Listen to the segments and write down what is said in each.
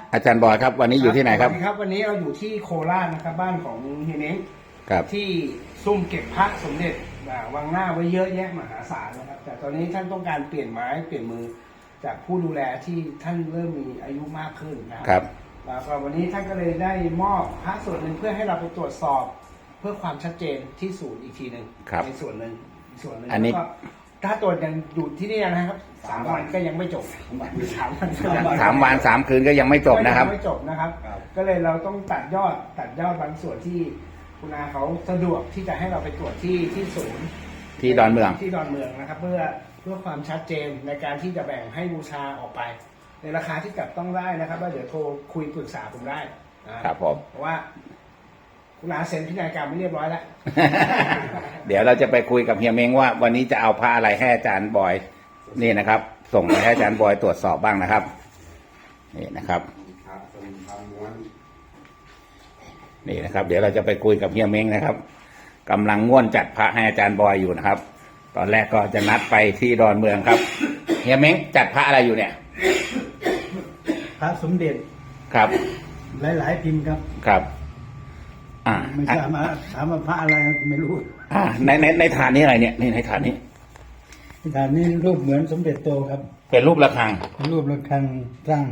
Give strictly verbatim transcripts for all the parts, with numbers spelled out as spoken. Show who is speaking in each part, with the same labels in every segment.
Speaker 1: อาจารย์บอยครับวันนี้อยู่ที่ไหนครับ
Speaker 2: ครับวันนี้เราอยู่ที่โคราชนะครับบ้านของเฮียเม้ง
Speaker 1: ครับ
Speaker 2: ที่ซุ่มเก็บพระสมเด็จวางหน้าไว้เยอะแยะมหาศาลนะครับแต่ตอนนี้ท่านต้องการเปลี่ยนไม้เปลี่ยนมือจากผู้ดูแลที่ท่านเริ่มมีอายุมากขึ้นนะครับแล้วก็วันนี้ท่านก็เลยได้มอบพระส่วนหนึ่งเพื่อให้เราไปตรวจสอบเพื่อความชัดเจนที่ศูนย์อีกทีหนึ่งในส่วนหนึ่งส่วนหนึ่งอันนี้ถ้าตรวจยังอยู่ที่นี่นะครับสามวันก็ยังไม่จบสามวัน
Speaker 1: สามวันสามคืนก็ยังไม่จบนะครับ
Speaker 2: ไม่จบนะครับก็เลยเราต้องตัดยอดตัดยอดบางส่วนที่คุณอาเขาสะดวกที่จะให้เราไปตรวจที่ที่ศูนย์
Speaker 1: ที่ดอนเมือง
Speaker 2: ที่ดอนเมืองนะครับเพื่อเพื่อความชัดเจนในการที่จะแบ่งให้บูชาออกไปในราคาที่จับต้องได้นะครับว่าเดี๋ยวโทรคุยปรึกษาผมได้
Speaker 1: ครับผม
Speaker 2: เพราะว่าคุณอาเซ็นพินัยกรรมไม่เรียบร้อยแล้ว
Speaker 1: เดี๋ยวเราจะไปคุยกับเฮียเม้งว่าวันนี้จะเอาพระอะไรให้อาจารย์บอยนี่นะครับส่งไปให้อาจารย์บอยตรวจสอบบ้างนะครับนี่นะครับนี่นะครับเดี๋ยวเราจะไปคุยกับเฮียเม้งนะครับกำลังง่วนจัดพระให้อาจารย์บอยอยู่นะครับตอนแรกก็จะนัดไปที่ดอนเมืองครับเฮียเม้งจัดพระอะไรอยู่เนี่ย
Speaker 3: พระสมเด็จ
Speaker 1: ครับ
Speaker 3: หลายๆพิมพ์ครับ
Speaker 1: ครับอ่า
Speaker 3: ไม่ทราบมาถามว่าพระอะไรไม่รู้
Speaker 1: อ่าในในในฐานนี้อะไรเนี่ยนี่ในฐานนี้
Speaker 3: ในฐานนี้รูปเหมือนสมเด็จโตครับ
Speaker 1: เป็นรูประฆัง
Speaker 3: เป็นรูประฆังสร้าง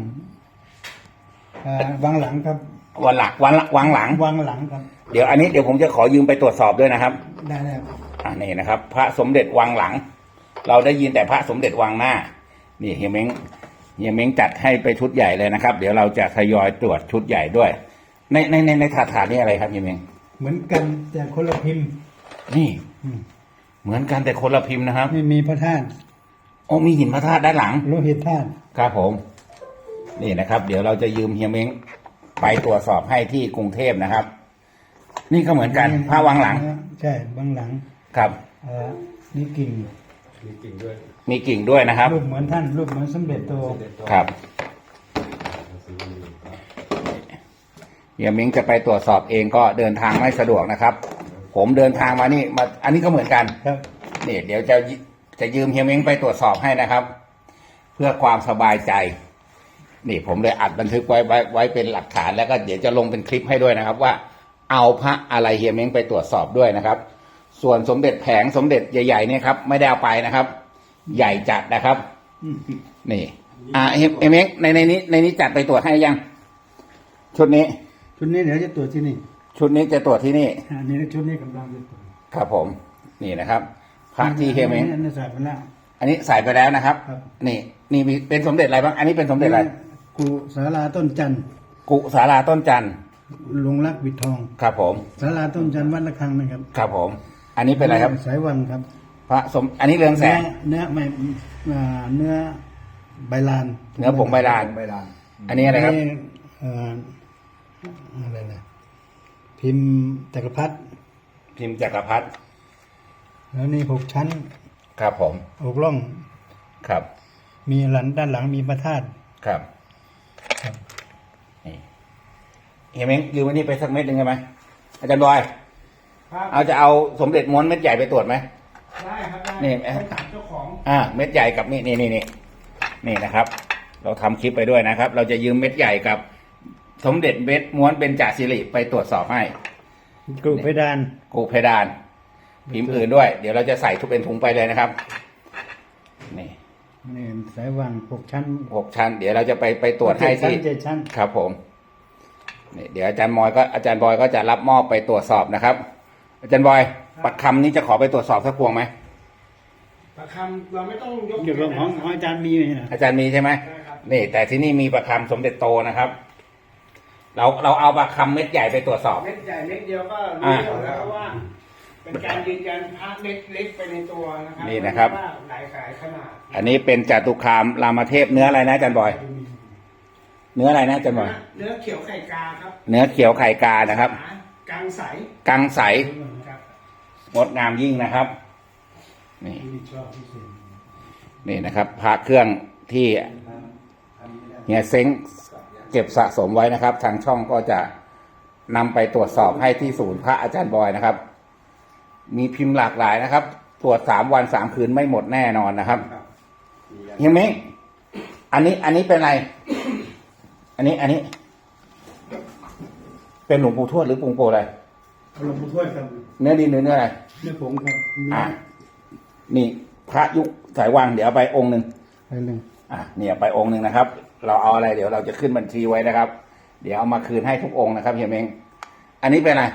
Speaker 3: วางหลังครับ
Speaker 1: วันหลักวันวางหลัง
Speaker 3: วางหลังครับ
Speaker 1: เดี๋ยวอันนี้เดี๋ยวผมจะขอยืมไปตรวจสอบด้วยนะครับ
Speaker 3: ได้แล้ว
Speaker 1: อ่านี่นะครับพระสมเด็จวางหลังเราได้ยินแต่พระสมเด็จวางหน้านี่เฮียเม้งเฮียเม้งจัดให้ไปชุดใหญ่เลยนะครับเดี๋ยวเราจะทยอยตรวจชุดใหญ่ด้วยในในในในถาดถาดนี่อะไรครับเฮียเม้ง
Speaker 3: เหมือนกันแต่คนละพิมพ์
Speaker 1: นี่เหมือนกันแต่คนละพิมพ์นะครับ
Speaker 3: ไม่มีพระธาตุ
Speaker 1: โอ้มีหินพระธาตุด้านหลัง
Speaker 3: โลหิตธาตุ
Speaker 1: ครับผมนี่นะครับเดี๋ยวเราจะยืมเฮียเม้งไปตรวจสอบให้ที่กรุงเทพนะครับนี่ก็เหมือนกันพระวางหลัง
Speaker 3: ใช่วางหลัง
Speaker 1: ครับ
Speaker 3: เออมีกิ่ง
Speaker 1: มีกิ่งด้วยมีกิ่งด้วยนะครับ
Speaker 3: รูปเหมือนท่านรูปเหมือนสมเด็จโต
Speaker 1: ครับเฮียเม้งจะไปตรวจสอบเองก็เดินทางไม่สะดวกนะครับผมเดินทางมานี่มาอันนี้ก็เหมือนกัน
Speaker 3: ครับ
Speaker 1: นี่เดี๋ยวจะจะยืมเฮียเม้งไปตรวจสอบให้นะครับ เพื่อความสบายใจนี่ผมเลยอัดบันทึกไว้ไว้ไว้เป็นหลักฐานแล้วก็เดี๋ยวจะลงเป็นคลิปให้ด้วยนะครับว่าเอาพระอะไรเฮียเม้งไปตรวจสอบด้วยนะครับส่วนสมเด็จแผงสมเด็จใหญ่ๆเนี่ยครับไม่ได้เอาไปนะครับใหญ่จัดนะครับนี่อ่าเฮียเม้งในในนี้ในนี้จัดไปตรวจให้ยังชุดนี้
Speaker 3: ชุดนี้เดี๋ยวจะตรวจที่นี่
Speaker 1: ชุดนี้จะตรวจที่นี่
Speaker 3: อันนี้ชุดนี้กำลังจะตรวจ
Speaker 1: ครับผมนี่นะครับพระที่เฮียเม้ง
Speaker 3: อันนี้ใส่ไปแล้ว
Speaker 1: อันนี้ใส่ไปแล้วนะครับนี่นี่มีเป็นสมเด็จอะไรบ้างอันนี้เป็นสมเด็จอะไร
Speaker 3: กุศาลาต้นจันทร์
Speaker 1: กุศาลาต้นจันทร์
Speaker 3: ลงรักวิทอง
Speaker 1: ครับผม
Speaker 3: ศาลาต้นจันทร์วัดระฆังนะครับ
Speaker 1: ครับผมอันนี้เป็นอะไรครับ
Speaker 3: สายวังครับ
Speaker 1: พระสมอันนี้เรืองแสง
Speaker 3: เนื้อไม่เนื้อใบลาน
Speaker 1: เนื้อผงใบลานอันนี้อะไรครับ
Speaker 3: อะไรนะพิมพ์จักรพรรดิ
Speaker 1: พิมพ์จักรพรรดิ
Speaker 3: แล้วนี่หกชั้น
Speaker 1: ครับผม
Speaker 3: หกร่อง
Speaker 1: ครับ
Speaker 3: มีหลังด้านหลังมีพระธาตุ
Speaker 1: ครับนี่เฮียเม้งยืมวันนี้ไปสักเม็ดหนึ่งใช่ไหมอาจารย์บอยเอาจะเอาสมเด็จม้วนเม็ดใหญ่ไปตรวจไหม
Speaker 2: ได้ครับได้
Speaker 1: นี่
Speaker 2: เจ้าของ
Speaker 1: อ่าเม็ดใหญ่กับนี่นี่นี่นี่นี่นะครับเราทำคลิปไปด้วยนะครับเราจะยืมเม็ดใหญ่กับสมเด็จเม็ดม้วนเบญจศิริไปตรวจสอบให้
Speaker 3: กูเพดาน
Speaker 1: กูเพดานพิมพ์อื่นด้วยเดี๋ยวเราจะใส่ทุกเป็นถุงไปเลยนะครับนี่
Speaker 3: นี่สายวังหกชั้น
Speaker 1: หกชั้นเดี๋ยวเราจะไปไปตรวจให้ที่
Speaker 3: เจ็ดชั้น
Speaker 1: ครับผมนี่เดี๋ยวอาจารย์บอยก็อาจารย์บอยก็จะรับมอบไปตรวจสอบนะครับอาจารย์บอยปักคำนี้จะขอไปตรวจสอบสักพวงไหม
Speaker 2: ปักคำเราไม่ต้องยก
Speaker 3: อยู่ของของอาจารย์มีไหมนะ
Speaker 1: อาจารย์มีใช่ไหมนี่แต่ที่นี่มีปักคำสมเด็จโตนะครับเราเราเอาปักคำเม็ดใหญ่ไปตรวจสอบ
Speaker 2: เม็ดใหญ่เม็ดเดียวก็รู้แล้วว่าเป็นการยืนยันพระเล็กๆไปในตัวนะครับ
Speaker 1: นี่นะครับ
Speaker 2: หลายขายขนาด
Speaker 1: อันนี้เป็นจตุคามรามเทพเนื้ออะไรนะอาจารย์บอยเนื้ออะไรนะอาจารย์บอย
Speaker 2: เนื้อเขียวไข่กาครับ
Speaker 1: เนื้อเขียวไข่กานะครับ
Speaker 2: กังใส
Speaker 1: กังใสงดงามยิ่งนะครับนี่นี่นะครับพระเครื่องที่เฮียเซ้งเก็บสะสมไว้นะครับทางช่องก็จะนำไปตรวจสอบให้ที่ศูนย์พระอาจารย์บอยนะครับมีพิมพ์หลากหลายนะครับตรวจสามวันสามคืนไม่หมดแน่นอนนะครับเฮียเม้งอันนี้อันนี้เป็นอะไรอันนี้ อันนี้ เป็นหลวงปู่ทวดหรือปู่โปอะไร
Speaker 3: หลวงปู่ทวดครับ
Speaker 1: เนื้อดินหรือเนื้ออะไร
Speaker 3: เนื้อผงครับมี
Speaker 1: อ่ะนี่พระยุคสายวังเดี๋ยวเอาไปองค์หนึ่ง
Speaker 3: อะไรหนึ่ง
Speaker 1: อ่ะเนี่ยไปองค์หนึ่งนะครับ เราเอาอะไรเดี๋ยวเราจะขึ้นบัญชีไว้นะครับ เดี๋ยวเอามาคืนให้ทุกองค์นะครับเฮียเม้งอันนี้เป็นอะไร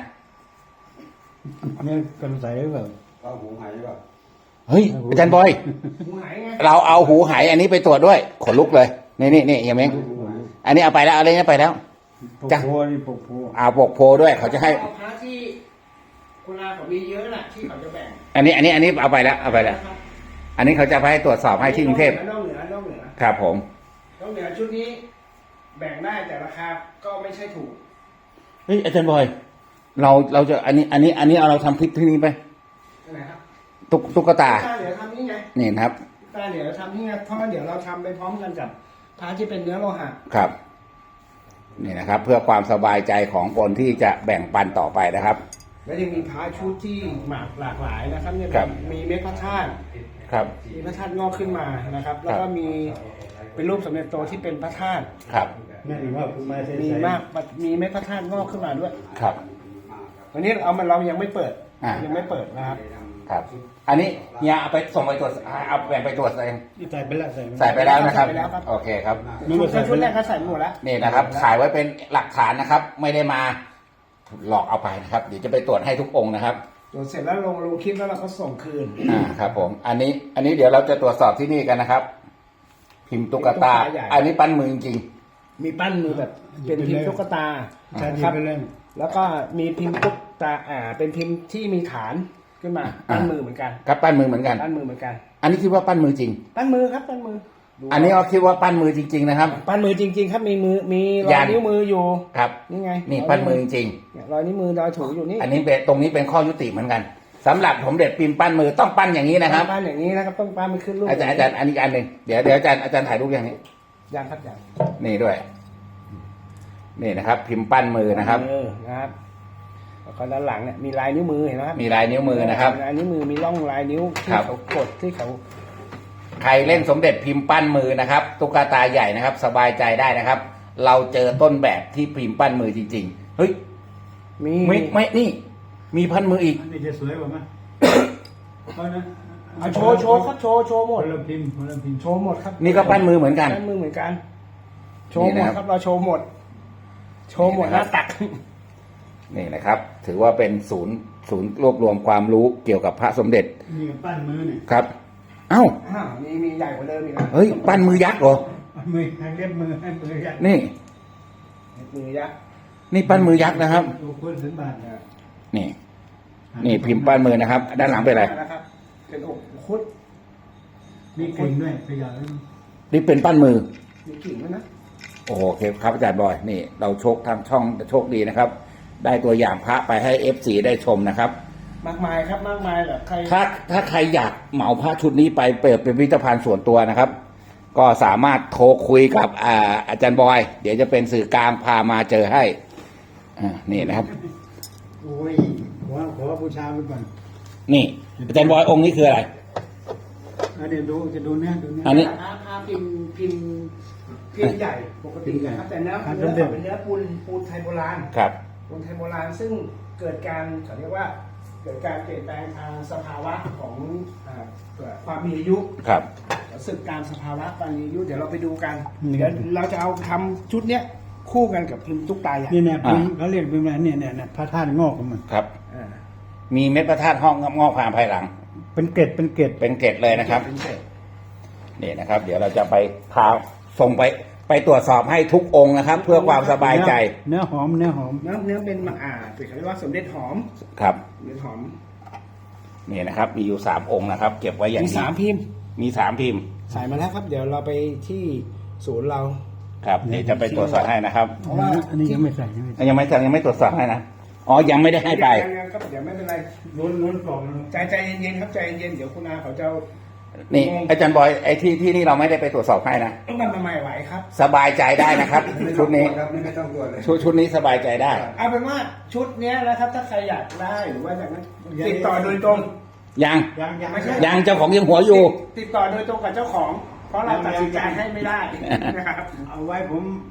Speaker 3: เนี่ยกันใสหรือเปล่า
Speaker 4: เอาหูหายป่ะ
Speaker 1: เฮ้ยอาจารย์บอย
Speaker 2: หูหายไง
Speaker 1: เราเอาหูหายอันนี้ไปตรวจด้วยขนลุกเลยนี่นี่นี่เฮียเม้งอันนี้เอาไปแล้วเอาอะไรนี้ไปแล้ว
Speaker 3: ปก
Speaker 1: จ้ะ
Speaker 3: โพนี่ปกโพ
Speaker 1: เอาปกโพด้วยเขาจะให้
Speaker 2: เอาพระที่คุณอาเขามีเยอะน่ะที่เขาจะแบ่ง
Speaker 1: อันนี้อันนี้อันนี้เอาไปแล้วเอาไปแล้ว
Speaker 2: นะครับ
Speaker 1: อันนี้เขาจะไปให้ตรวจสอบให้ที่กรุงเทพ
Speaker 2: นอกเหนือนอกเหนือ
Speaker 1: ครับผม
Speaker 2: นอกเหนือชุดนี้ แบ่งได้แต่ราคาก็ไม่ใช่ถูก
Speaker 1: เฮ้ยอาจารย์บอย เราเราจะอันนี้อันนี้อันนี้เอาเราทำคลิปที่นี้ไป
Speaker 2: นะครับ
Speaker 1: ตุ๊กตุ๊กตา
Speaker 2: ตาเหลือทำนี่ไง
Speaker 1: นี่นะครับ
Speaker 2: ตาเหลือทำนี่ไงเพราะว่าเดี๋ยวเราทำไปพร้อมกันกับพระที่เป็นเนื้อโลหะ
Speaker 1: ครับ นี่นะครับ เพื่อความสบายใจของคนที่จะแบ่งปันต่อไปนะครับ
Speaker 2: แล้วยังมีพระชุดที่หมากหลากหลายนะครับเนี่ย
Speaker 1: ครับ
Speaker 2: มีเม็ดพระธาตุ
Speaker 1: ครับ
Speaker 2: มีพระธาตุงอกขึ้นมานะครับ แล้วก็มีเป็นรูปสมเด็จโตที่เป็นพระธาตุ
Speaker 1: ครับ
Speaker 3: แม่ถึงว่าคุณมาใส่
Speaker 2: มี
Speaker 3: ใส่
Speaker 2: มากมีเม็ดพระธาตุงอกขึ้นมาด้วย
Speaker 1: ครับ
Speaker 2: วันนี้เอามันเรายังไม่เปิด
Speaker 1: อ่ายั
Speaker 2: ยังไม่เปิดนะครับ
Speaker 1: ครับ อันนี้เนี่ยเอาไปส่งไปตรวจเอาแบ่งไปตรวจเอง
Speaker 3: ใส่ไปแล้วใส่
Speaker 1: ใส่ไปแล้วนะครับ
Speaker 2: ใส่ไปแล้วครับ
Speaker 1: โอเคครับ
Speaker 2: ชุดชุดแรกก็ใส่หมดแล้ว
Speaker 1: นี่นะครับขายไว้เป็นหลักฐานนะครับ ไม่ได้มาหลอกเอาไปนะครับ เดี๋ยวจะไปตรวจให้ทุกองค์นะครับ
Speaker 2: ตรวจเสร็จแล้วลงลงคลิปแล้วเราก็ส่งคืน
Speaker 1: อ่าครับผม อันนี้ อันนี้เดี๋ยวเราจะตรวจสอบที่นี่กันนะครับ พิมพ์ตุ๊กตา
Speaker 2: ตุ๊กตาใหญ่
Speaker 1: อันนี้ปั้นมือจริง
Speaker 2: มีปั้นมือแบบเป็นพิมพ์ตุ๊กตา
Speaker 3: ใช่
Speaker 2: นะ
Speaker 3: ดี
Speaker 2: ครับ
Speaker 3: ไปเลย
Speaker 2: แล้วก็มีพิมพ์ตุ๊กตาอ่าเป็นพิมพ์ที่มีฐานขึ้นมาปั้นมือเหมือนกัน
Speaker 1: ๆครับปั้นมือเหมือนกัน
Speaker 2: ปั้นมือเหมือนกัน
Speaker 1: อันนี้คิดว่าปั้นมือจริง
Speaker 2: ปั้นมือครับปั้นมือดู
Speaker 1: อันนี้เราคิดว่าปั้นมือจริง ๆ นะครับ
Speaker 2: ปั้นมือจริง ๆ ครับมีมือมีรอ
Speaker 1: ยั
Speaker 2: ย
Speaker 1: น
Speaker 2: นิ้วมืออยู่
Speaker 1: ครับ
Speaker 2: นี่ไง
Speaker 1: นี่ปั้นมือจริง
Speaker 2: เนี่ยรอยนิ้วมือรอยถูอยู่นี่
Speaker 1: ๆอันนี้เป็นตรงนี้เป็นข้อยุติเหมือนกันสำหรับผมเด็ดพิมพ์ปั้นมือต้องปั้นอย่างนี้นะครับ
Speaker 2: ปั้นอย่างนี้นะครับต้องปั้นมันขึ้นรูป
Speaker 1: อาจารย์อาจารย์อันนี้อันหนึ่งเดี๋ยวเดี๋ยวอาจารย์อาจารย์ถ่ายรูปอย่างนี้
Speaker 2: ยังครับยัง
Speaker 1: นี่ด้วย นี่นะครับ พิมพ์ปั้นมือนะครับ
Speaker 2: เออนะครับแล้วก็ด้านหลังเนี่ยมีลายนิ้วมือเห็นไหมครับ
Speaker 1: มีลายนิ้วมือนะครับ
Speaker 2: ลายนิ้วมือมีร่องลายนิ้วที่
Speaker 1: ครับ
Speaker 2: เขากดที่เขา
Speaker 1: ใครเล่นสมเด็จพิมพ์ปั้นมือนะครับตุ๊กตาใหญ่นะครับ สบายใจได้นะครับ เราเจอต้นแบบที่พิมพ์ปั้นมือจริงๆเฮ้ย
Speaker 2: มี
Speaker 1: ไม่ไม่นี่ มีพันมืออีก
Speaker 3: อันนี้จะสวยกว่าไหมเอานะ
Speaker 2: เอาโชว์โชว์ครับโชว์โชว์หม
Speaker 3: ค
Speaker 2: ด
Speaker 3: นละพิมพ์คนละพิมพ์
Speaker 2: โชว์หมดครับ
Speaker 1: นี่ก็ปั้นมือเหมือนกัน
Speaker 2: ปั้นมือเหมือนกัน โชว์
Speaker 1: นี่
Speaker 2: หมด
Speaker 1: นะครับ
Speaker 2: ครับเราโชว์หมด โชว์หมด
Speaker 1: นี่
Speaker 2: ห
Speaker 1: นะครั
Speaker 2: น้า
Speaker 1: บ
Speaker 2: ตัก
Speaker 1: นี่นะครับ ถือว่าเป็นศูนย์ศูนย์รวบรวมความรู้เกี่ยวกับพระสมเด็จ
Speaker 3: นี่ก็ปั้นมือเนี่ย
Speaker 1: ครับ เอ้า
Speaker 2: อ้าวมีมีใหญ่กว่าเดิมอีกนะ
Speaker 1: เฮ้ย ปั้นมือยักษ์เหรอ
Speaker 3: ปั้นมือให้เรียบมือให้มือยัด
Speaker 1: นี่
Speaker 2: มือยักษ์
Speaker 1: นี่ปั้นมือยักษ์นะครับ
Speaker 3: ดูคุณสมบัติ
Speaker 2: นะ
Speaker 1: นี่ นี่พิมพ์ปั้นมือนะครับ ด้านหลังเป็นอะไร
Speaker 2: นะครับ เป็นอกคุด
Speaker 3: มีกลิ่นด้วยขยะ
Speaker 1: นี่เป็นปั้นมือ
Speaker 2: มีกิ่งด้วยนะ
Speaker 1: โอเคครับอาจารย์บอย นี่เราโชคทางช่องโชคดีนะครับ ได้ตัวอย่างพระไปให้เอฟซีได้ชมนะครับ
Speaker 2: มากมายครับมากมายแบบใคร
Speaker 1: ถ้าถ้าใครอยากเหมาพระชุดนี้ไปเปิดเป็นพิพิธภัณฑ์ส่วนตัวนะครับ ก็สามารถโทรคุยกับอาอาจารย์บอย เดี๋ยวจะเป็นสื่อกลางพามาเจอให้อ่านี่นะครับ
Speaker 3: โอ้ยขอขอบูชาไปก่อน
Speaker 1: นี่ อาจารย์บอยองค์นี้คืออะไร
Speaker 3: อันนี้ดูจะดูเนื้อดูเนื้อ
Speaker 1: อันนี้
Speaker 2: พระพระพิมพ์พิมพ์พิมพ์ใหญ่ปกตินะครับแต่เนื้อ
Speaker 3: ครับ
Speaker 2: เนื้อ
Speaker 3: เดิมๆ
Speaker 2: เป็นเนื้อปูนปูนไทยโบราณ
Speaker 1: ครับ
Speaker 2: ปูนไทยโบราณซึ่งเกิดการเขาเรียกว่า เกิดการเปลี่ยนแปลงทางสภาวะของอ่าความมีอายุ
Speaker 1: ครับ
Speaker 2: สึกการสภาวะความมีอายุเดี๋ยวเราไปดูกันเดี๋ยวเราจะเอาทำชุดเนี้ยคู่กันกับพิมพ์ตุ๊กตาใหญ่
Speaker 3: นี่เนี่ยพิมพ์เขาเรียกพิมพ์อะไรเนี่ยเนี่ยเนี่ยพระธาตุงอกของมัน
Speaker 1: ครับ
Speaker 2: อ่า
Speaker 1: มีเม็ดพระธาตุห้องงอกผ่านภายหลัง
Speaker 3: เป็นเกล็ดเป็นเกล็ด
Speaker 1: เป็นเกล็ดเลยนะครับ
Speaker 2: เป็นเศษ
Speaker 1: นี่นะครับ เดี๋ยวเราจะไปพาส่งไปไปตรวจสอบให้ทุกองค์นะครับ เพื่อความสบายใจ
Speaker 3: เนื้อหอมเนื้อหอม
Speaker 2: เนื้อเนื้อเป็นมะอ่าเป็นเขาเรียกว่าสมเด็จหอม
Speaker 1: ครับ
Speaker 2: สมเด็จหอม
Speaker 1: นี่นะครับ มีอยู่สามองค์นะครับ เก็บไว้อย่าง
Speaker 2: มี
Speaker 1: ดี
Speaker 2: สามพิมพ์
Speaker 1: มีสามพิมพ์
Speaker 2: ใส่มาแล้วครับ เดี๋ยวเราไปที่ศูนย์เรา
Speaker 1: ครับเดี๋ยวจะไปตรวจสอบให้นะครับ
Speaker 2: เพราะว่า
Speaker 3: อันนี้ยังไม่ใส่ยังไม่ใส่
Speaker 1: ยังไม่ยังไม่ตรวจสอบให้นะอ๋อยังไม่ได้ให้ไป
Speaker 2: ยังๆครับเดี๋ยวไม่เป็นไร
Speaker 3: ล้นล้นกล่อง
Speaker 2: ใจใจเย็นๆครับใจเย็นๆเดี๋ยวคุณอาเขาจะเอา
Speaker 1: นี่อาจารย์บอยไอ้ที่ที่นี่เราไม่ได้ไปตรวจสอบให้นะ
Speaker 2: ต้องนำมาใหม่ไหวครับ
Speaker 1: สบายใจได้นะครับ ชุดนี้
Speaker 4: ครับไม่ต้องตรวจเลย
Speaker 1: ชุดชุดนี้สบายใจได้
Speaker 2: เอาเป็นว่าชุดเนี้ยนะครับถ้าใครอยากได้หรือว่าอยากนั้นติดต่อโดยตรง
Speaker 1: ยัง
Speaker 3: ยังยัง
Speaker 2: ไม่ใช่
Speaker 1: ยังเจ้าของยังหัวอยู่
Speaker 2: ติดต่อโดยตรงกับเจ้าของ เพราะเราตัดสินใจให้ไม่ได้นะครับ
Speaker 3: เอาไว้ผม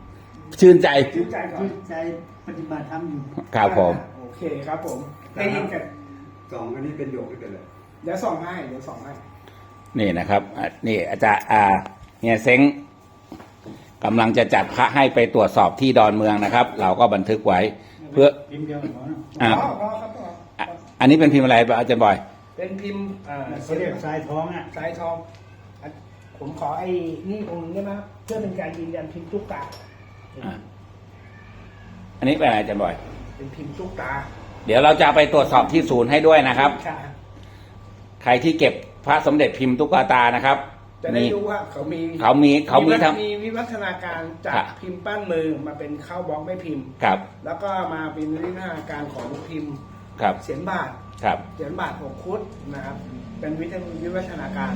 Speaker 1: ชื่นใจ
Speaker 2: ชื่นใจก่อน
Speaker 3: ที่ใจปฏิบัติธรรมอยู่
Speaker 1: ครับผม
Speaker 2: โอเคครับผมได้ยินกัน
Speaker 4: สองอันนี้เป็นโยกด้วยกันเลย
Speaker 2: เดี๋ยวส่องให้เดี๋ยวส่องให้
Speaker 1: นี่นะครับอ่ะนี่อาจารย์อ่าเฮียเซ้งกำลังจะจัดพระให้ไปตรวจสอบที่ดอนเมืองนะครับ เราก็บันทึกไว้ เพื่อ
Speaker 3: พิมพ์เดียวกันเนาะ
Speaker 1: อ่า
Speaker 2: อ๋ออ๋อครับอ๋อ
Speaker 1: อ่ะอันนี้เป็นพิมพ์อะไรอาจารย์บอย
Speaker 2: เป็นพิมพ์อ่า
Speaker 3: เขาเรียกทรายท้องอ่ะ
Speaker 2: สายทองอ่ะผมขอไอ้นี่องค์นึงได้ไหมครับเพื่อเป็นการยืนยันพิมพ์ตุ๊กตา
Speaker 1: อ่ะอันนี้เป็นอะไรอาจารย์บอย
Speaker 2: เป็นพิมพ์ตุ๊กตา
Speaker 1: เดี๋ยวเราจะไปตรวจสอบที่ศูนย์ให้ด้วยนะครับ
Speaker 2: ค่ะ
Speaker 1: ใครที่เก็บพระสมเด็จพิมพ์ตุ๊กตานะครับ
Speaker 2: จะได้
Speaker 1: นี่
Speaker 2: รู้ว่าเขามี
Speaker 1: เขามีเขามี
Speaker 2: วิวัฒ
Speaker 1: ทั้ง
Speaker 2: มีวิวัฒนาการจา
Speaker 1: ครั
Speaker 2: ก
Speaker 1: บ
Speaker 2: พิมพ์ปั้นมือมาเป็นเข้าบล็อกไม่พิมพ์
Speaker 1: ครับ
Speaker 2: แล้วก็มาเป็นวิวัฒนาการของพิมพ์
Speaker 1: ครับ
Speaker 2: เสียนบาท
Speaker 1: ครับ
Speaker 2: เสียนบาทหกคุดนะครับ เป็นวิทยวิวัฒนาการ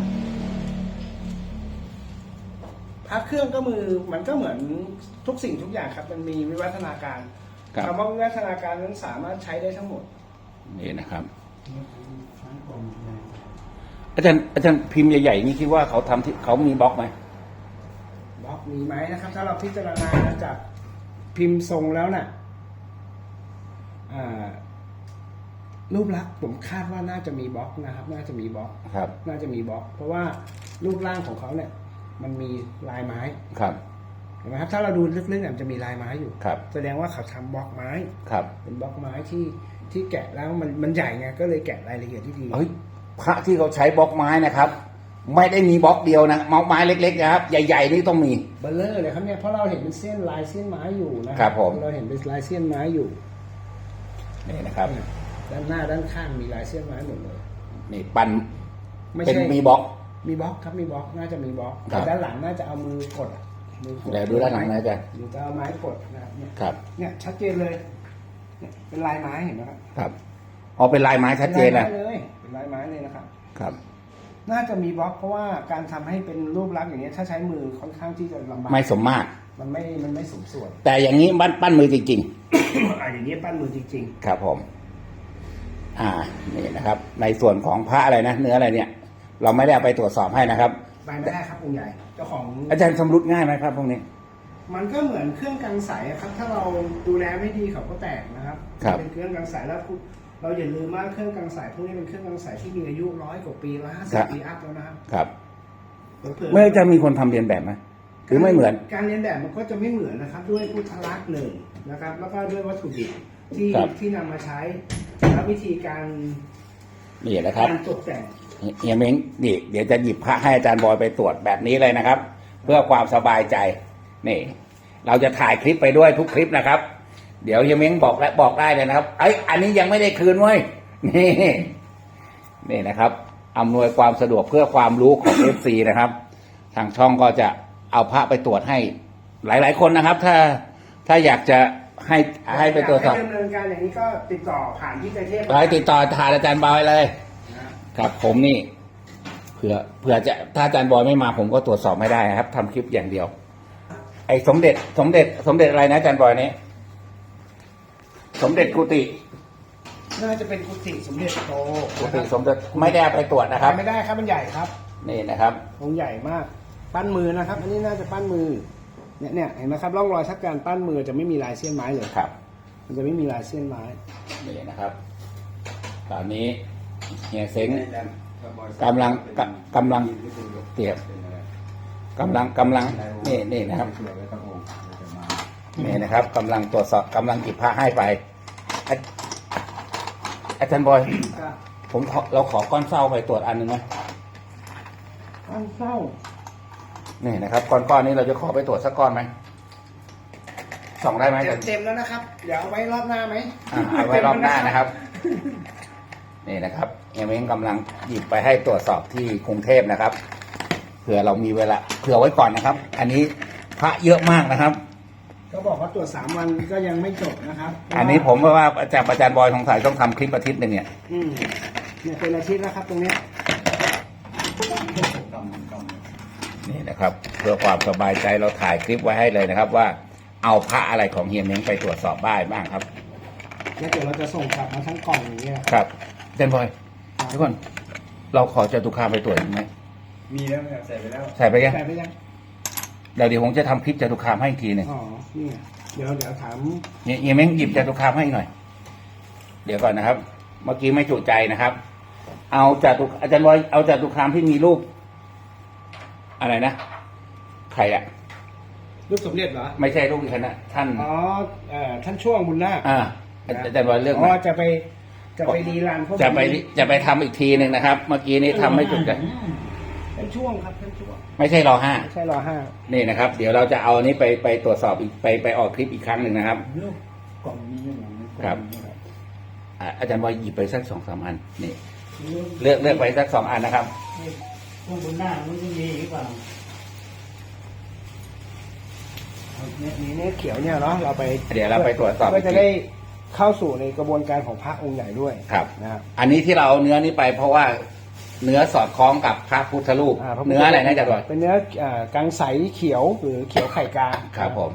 Speaker 2: พระเครื่องก็มือมันก็เหมือนทุกสิ่งทุกอย่างครับ มันมีวิวัฒนาการ
Speaker 1: ครับ
Speaker 2: คำว่าวิวัฒนาการนั้นสามารถใช้ได้ทั้งหมด
Speaker 1: นี่นะครับ
Speaker 3: ทั้งกองเลย
Speaker 1: อาจารย์อาจารย์พิมพ์ใหญ่ๆนี่คิดว่าเขาทำที่เขามีบล็อกไหม
Speaker 2: บล็อกมีไหมนะครับ ถ้าเราพิจารณาจากพิมพ์ทรงแล้วน่ะอ่ารูปลักษณ์ผมคาดว่าน่าจะมีบล็อกนะครับ น่าจะมีบล็อก
Speaker 1: ครับ
Speaker 2: น่าจะมีบล็อก เพราะว่ารูปร่างของเขาเนี่ย มันมีลายไม้
Speaker 1: ครับ
Speaker 2: เห็นไหมครับ ถ้าเราดูลึกๆเนี่ยมันจะมีลายไม้อยู่
Speaker 1: ครับ
Speaker 2: แสดงว่าเขาทำบล็อกไม้
Speaker 1: ครับ
Speaker 2: เป็นบล็อกไม้ที่ที่แกะแล้วมันมันใหญ่ไงก็เลยแกะรายละเอียดที่ดี
Speaker 1: เฮ้ยพระที่เขาใช้บล็อกไม้นะครับ ไม่ได้มีบล็อกเดียวนะบล็อกไม้เล็กๆนะครับใหญ่ๆนี่ต้องมี
Speaker 2: เบลเลอร์เลยครับเนี่ยเพราะเราเห็นเป็นเส้นลายเส้นไม้อยู่นะครับ
Speaker 1: ผม
Speaker 2: เราเห็นเป็นลายเส้นไม้อยู่
Speaker 1: นี่นะครับ
Speaker 2: ด้านหน้าด้านข้างมีลายเส้นไม้หมดเลย
Speaker 1: นี่ปั้น
Speaker 2: ไม่
Speaker 1: เป็น
Speaker 2: ใช่
Speaker 1: มีบล็อก
Speaker 2: มีบล็อกครับมีบล็อกน่าจะมีบล็อก
Speaker 1: ครั
Speaker 2: แต่
Speaker 1: บ
Speaker 2: ด้านหลังน่าจะเอามือกดอะมือกด
Speaker 1: เดี๋ยวดูด้านหลังนะอาจารย์
Speaker 2: หรือจะเอาไม้กดนะครับเนี่ย
Speaker 1: ครับ
Speaker 2: เนี่ยชัดเจนเลยเนี่ยเป็นลายไม้เห็นไหมครับ
Speaker 1: ครับอ๋อเป็นลายไม้ชัดเจน
Speaker 2: ป็
Speaker 1: นะ
Speaker 2: ลายไม้เลยเป็นลายไม้เลยนะครับ
Speaker 1: ครับ
Speaker 2: น่าจะมีบล็อกเพราะว่าการทำให้เป็นรูปลักษณ์อย่างนี้ยถ้าใช้มือค่อนข้างที่จะลำบาก
Speaker 1: ไม่สมมาตร
Speaker 2: มันไม่มันไม่สมส่วน
Speaker 1: แต่อย่างนี้ปั้นปั้นมือจริง
Speaker 2: อ่ะอย่างนี้ปั้นมือจริง
Speaker 1: ๆ ครับผม อ่านี่นะครับ ในส่วนของพระอะไรนะเนื้ออะไรเนี่ย เราไม่ได้เอาไปตรวจสอบให้นะครับ
Speaker 2: ๆ ไปไม่ได้ครับองค์ใหญ่เจ้าของ
Speaker 1: อาจารย์ชำรุดง่ายไหมครับพวกนี้
Speaker 2: มันก็เหมือนเครื่องกังสายอะครับ ถ้าเราดูแลไม่ดีเขาก็แตกนะครับ
Speaker 1: ครับ
Speaker 2: เป็นเครื่องกังสายแล้วคุณเราอย่าลืมว่าเครื่องกังสายพวกนี้เป็นเครื่องกังสายที่มีอายุร้อยกว่าปีร้อยห้าสิบปีอัพแล้วนะครับ
Speaker 1: ครับ
Speaker 2: เผื่อๆ
Speaker 1: เมื่อจะมีคนทำเรียนแบบไหมหรือไม่เหมือน
Speaker 2: การเรียนแบบมันก็จะไม่เหมือนนะครับ ด้วยพุทธลักษณ์หนึ่งนะครับ แล้วก็ด้วยวัตถุดิบที่
Speaker 1: ครับ
Speaker 2: ที่นำมาใช้และวิธีการ
Speaker 1: นี่นะครับ
Speaker 2: การตกแต่ง
Speaker 1: เฮียเม้งนี่เดี๋ยวจะหยิบพระให้อาจารย์บอยไปตรวจแบบนี้เลยนะครับ เพื่อความสบายใจนี่ เราจะถ่ายคลิปไปด้วยทุกคลิปนะครับ เดี๋ยวเฮียเม้งบอกและบอกได้เลยนะครับไอ้ยอันนี้ยังไม่ได้คืนเว้ยนี่นี่นะครับอำนวยความสะดวกเพื่อความรู้ของ เอฟ ซี นะครับ ทางช่องก็จะเอาพระไปตรวจให้หลาย ๆ คนนะครับ ถ้าถ้าอยากจะให้ให้ไปตรวจสอบ
Speaker 2: ให้ดำเนินการอย่างนี้ก็ติดต่อผ่านที่ใจเทพ
Speaker 1: ไปติดต่อทางอาจารย์บอยเลย
Speaker 2: นะครับ
Speaker 1: ครับผมนี่เผื่อเผื่อจะถ้าอาจารย์บอยไม่มาผมก็ตรวจสอบไม่ได้นะครับทำคลิปอย่างเดียว ไอ้สมเด็จ สมเด็จ สมเด็จอะไรนะอาจารย์บอยนี้สมเด็จกุฏิ
Speaker 2: น่าจะเป็นกุฏิสมเด็จโต
Speaker 1: กุฏิสมเด็จไม่ได้เอาไปตรวจนะครับ
Speaker 2: ไม่ได้ครับมันใหญ่ครับ
Speaker 1: นี่นะครับ
Speaker 2: องค์ใหญ่มาก ปั้นมือนะครับ อันนี้น่าจะปั้นมือเนี่ยเนี่ยเห็นไหมครับร่องรอยชักการปั้นมือจะไม่มีลายเส้นไม้เลย
Speaker 1: ครับ
Speaker 2: มันจะไม่มีลายเส้นไม้
Speaker 1: นี่นะครับ ตอนนี้เฮียเซ้ง กำลังกำกำลังเตรียม กำลังกำลังนี่นี่นะครับนี่นะครับกำลังตรวจสอบกำลังหยิบพระให้ไปอาอาจารย์บอย
Speaker 2: ก็
Speaker 1: ผมขอเราขอก้อนเศร้าไปตรวจอันหนึ่งไหม
Speaker 2: ปั้นเศร้า
Speaker 1: นี่นะครับก้อนก้อนนี้เราจะขอไปตรวจสักก้อนไหมส่องได้ไหม
Speaker 2: เต็มเต็มแล้วนะครับเดี๋ยวเอาไว้รอบหน้าไหม
Speaker 1: อ่าเอาไว้รอบหน้านะครับ นี่นะครับเฮียเม้งกำลังหยิบไปให้ตรวจสอบที่กรุงเทพนะครับเผื่อเรามีเวลาเผื่อไว้ก่อนนะครับ อันนี้พระเยอะมากนะครับ
Speaker 2: ก็บอกว่าตรวจสามวันก็ยังไม่จบนะครับ
Speaker 1: อันนี้ผมว่าอาจารย์อาจารย์บอยสงสัยต้องทำคลิปอาทิตย์หนึ่งเนี่ย
Speaker 2: อืมเนี่ยเป็นอาทิตย์แล้วครับตรงเนี้ย
Speaker 1: นี่นะครับ เพื่อความสบายใจเราถ่ายคลิปไว้ให้เลยนะครับ ว่าเอาพระอะไรของเฮียเม้งไปตรวจสอบได้บ้างครับ
Speaker 2: แล้วเดี๋ยวเราจะส่งกลับมาทั้งกล่องอย่างเงี้ย
Speaker 1: ครับอาจารย์บอยทุกคนเราขอจตุคามไปตรวจอีกไหม
Speaker 4: มีแล้วครับใส่ไปแล้ว
Speaker 1: ใส่ไปยัง
Speaker 2: ใส่ไปยัง
Speaker 1: เดี๋ยวเดี๋ยวผมจะทำคลิปจตุคามให้อีกทีหนึ่ง
Speaker 2: อ๋อนี่ไงเดี๋ยวเดี๋ยวถาม
Speaker 1: เฮียเฮียเม้งหยิบจตุคามให้หน่อย เดี๋ยวก่อนนะครับ เมื่อกี้ไม่จุใจนะครับ เอาจตุอาจารย์บอยเอาจตุคามที่มีรูป อะไรนะใครอะ
Speaker 2: รูปสมเด็จเหรอ
Speaker 1: ไม่ใช่รูปอีกคณะท่าน
Speaker 2: อ๋อเอ่อท่านช่วงบุญนาค
Speaker 1: อ่าอาจารย์บอยเลือก
Speaker 2: อ๋
Speaker 1: มา
Speaker 2: อจะไปจะไปรีรันพวก
Speaker 1: จะไปจะไปทำอีกทีหนึ่งนะครับ เมื่อกี้นี้ทำไม่จุใจ
Speaker 2: ท่านช่วงครับท่านช่วง
Speaker 1: ไม่ใช่รอห้า
Speaker 2: ไม่ใช่รอห้า
Speaker 1: นี่นะครับ เดี๋ยวเราจะเอาอันนี้ไปไปตรวจสอบอีกไปไปออกคลิปอีกครั้งหนึ่งนะครับ
Speaker 3: ลูกกล่องนี้อย่างนี้
Speaker 1: ครับ อ่าอาจารย์บอยหยิบไปสักสองสามอันนี่เลือกเลือกไปสักสองอันนะครับ
Speaker 3: พวกบนหน้ามันจะมีหรือเปล่า
Speaker 2: เนี่ยมีเนี่ยเขียวเนี่ยเนาะเราไป
Speaker 1: เดี๋ยวเราไปตรวจสอบ
Speaker 2: เพื่อจะได้เข้าสู่ในกระบวนการของพระองค์ใหญ่ด้วย
Speaker 1: ครับ
Speaker 2: นะครับ
Speaker 1: อันนี้ที่เราเอาเนื้อนี้ไปเพราะว่าเนื้อสอดคล้องกับพระพุทธรูป
Speaker 2: าพพุทธ
Speaker 1: เนื้ออะไรนะอาจารย์บอย
Speaker 2: เป็นเนื้ออ่ากังใสเขียวหรือเขียวไข่กา
Speaker 1: ครับผม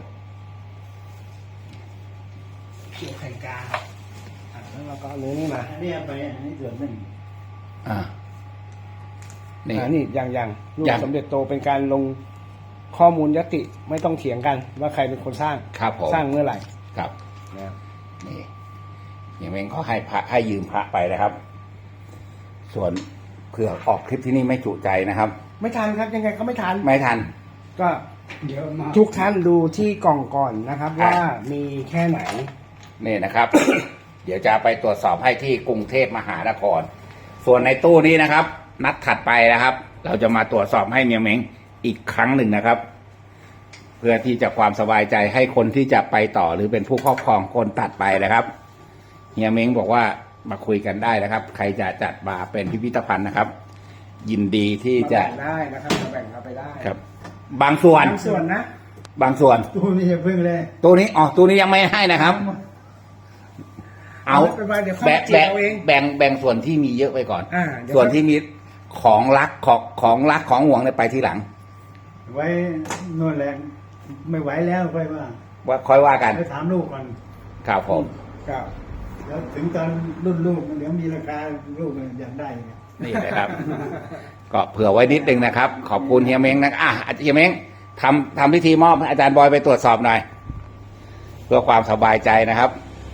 Speaker 2: เขียวไข่กาอ่าแล้วเราก็เอาเนื้อนี่มา
Speaker 3: อันนี้เอาไปอันนี้ส่วนหนึ่ง
Speaker 1: อ่านี่
Speaker 2: อ่านี่อย่างอย่างรูป
Speaker 1: อย่าง
Speaker 2: สมเด็จโตเป็นการลงข้อมูลยติไม่ต้องเถียงกันว่าใครเป็นคนสร้าง
Speaker 1: ครับผม
Speaker 2: สร้างเมื่อไหร่
Speaker 1: ครับ
Speaker 2: นะครับ
Speaker 1: นี่อย่างเม้งเขาให้พระให้ยืมพระไปนะครับ ส่วนเผื่อออกคลิปที่นี่ไม่จุใจนะครับ
Speaker 2: ไม่ทันครับยังไงก็ไม่ทัน
Speaker 1: ไม่ทัน
Speaker 2: ก็
Speaker 3: เดี๋ยวมา
Speaker 2: ทุกท่านดูที่กล่องก่อนนะครับ
Speaker 1: อ่ะ
Speaker 2: ว่ามีแค่ไหน
Speaker 1: นี่นะครับ เดี๋ยวจะไปตรวจสอบให้ที่กรุงเทพมหานคร ส่วนในตู้นี้นะครับ นัดถัดไปนะครับ เราจะมาตรวจสอบให้เมียเม้งอีกครั้งหนึ่งนะครับ เพื่อที่จะความสบายใจให้คนที่จะไปต่อหรือเป็นผู้ครอบครองคนตัดไปนะครับเฮียเม้งบอกว่ามาคุยกันได้นะครับ ใครจะจัดมาเป็นพิพิธภัณฑ์นะครับ ยินดีที่
Speaker 2: มา
Speaker 1: จะ
Speaker 2: แบ่งได้นะครับมาแบ่งเอาไปได้
Speaker 1: ครับ บางส่วน
Speaker 2: บางส่วนนะ
Speaker 1: บางส่วน
Speaker 3: ตู้นี้จะพึ่งเลย
Speaker 1: ตัวนี้อ๋อตัวนี้ยังไม่ให้นะครับ เอา
Speaker 2: ไปไปเดี๋ยวเข้า
Speaker 1: แบ่ง
Speaker 2: เจีย
Speaker 1: แบ่ง
Speaker 2: เอาเอง
Speaker 1: แบ่งแบ่งส่วนที่มีเยอะไปก่อน
Speaker 2: อ่าเดี๋ยว
Speaker 1: ส่วนที่มีของรักของของรักของห่วงเนี่ยไปทีหลัง
Speaker 3: ไว้นวดแรงไม่ไหวแล้วค่อยว่า
Speaker 1: ว่าค่อยว่ากัน
Speaker 3: ไปถามลูกก่อน
Speaker 1: ครับผม
Speaker 2: ครับ
Speaker 3: แล้วถึงตอนรุ่นลูกเดี๋ยวมีราคาลูกอยากได้ไง
Speaker 1: นี่นะครับ ก็เผื่อไว้นิดนึงนะครับ ขอบคุณเฮียเม้งนะอ่ะเฮียเม้งทำทำพิธีมอบให้อาจารย์บอยไปตรวจสอบหน่อย เพื่อความสบายใจนะครับ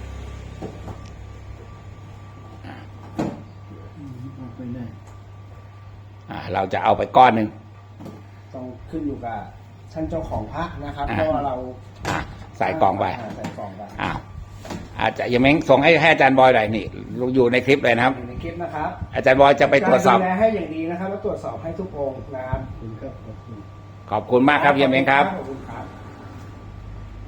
Speaker 3: อืมเอาไปได้
Speaker 1: อ่าเราจะเอาไปก้อนหนึ่ง
Speaker 2: ต้องขึ้นอยู่กับท่านเจ้าของพระนะครับ
Speaker 1: อ่า
Speaker 2: เพราะว่าเรา
Speaker 1: อ่าใส่กล่องไป
Speaker 2: าใส่กล่องไป
Speaker 1: อ่าอาจจะเฮียเม้งส่งให้ให้อาจารย์บอยหน่อยนี่อยู่ในคลิปเลยนะครับ
Speaker 2: อยู่ในคลิปนะครับ
Speaker 1: อาจารย์บอยจะไปตรวจสอบ
Speaker 2: กาดูแลให้อย่างดีนะครับแล้วตรวจสอบให้ทุกองค์นะครับ
Speaker 3: ขอบคุณครับขอบคุณ
Speaker 1: ขอบคุณมากครับเฮียเม้งครับ
Speaker 2: ขอบคุณครับ